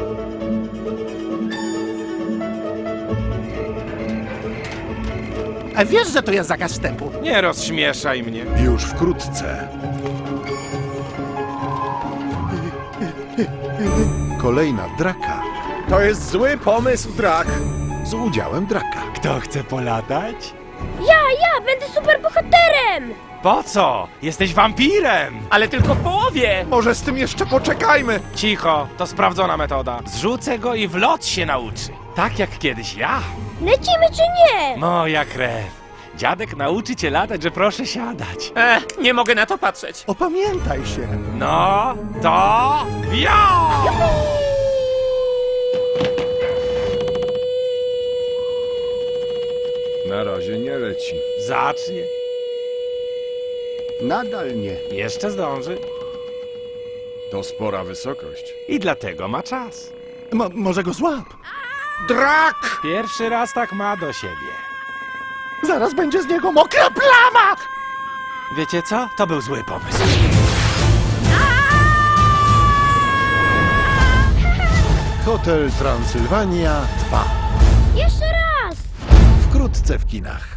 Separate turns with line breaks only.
A wiesz, że to jest zakaz wstępu?
Nie rozśmieszaj mnie.
Już wkrótce. Kolejna draka
To jest zły pomysł, Drak.
z udziałem draka.
Kto chce polatać?
Ja będę superbohaterem!
Po co? Jesteś wampirem!
Ale tylko w połowie!
Może z tym jeszcze poczekajmy.
Cicho, to sprawdzona metoda. Zrzucę go i w lot się nauczy. Tak jak kiedyś ja.
Lecimy czy nie?
Moja krew. Dziadek nauczy cię latać, że proszę siadać.
Nie mogę na to patrzeć.
Opamiętaj się.
No, to... ja!
Na razie nie leci.
Zacznie.
Nadal nie.
Jeszcze zdąży.
To spora wysokość.
I dlatego ma czas.
Może go złap.
Drak!
Pierwszy raz tak ma do siebie.
Zaraz będzie z niego mokra plama.
Wiecie co? To był zły pomysł.
Hotel Transylwania 2.
Jeszcze raz!
Wkrótce w kinach.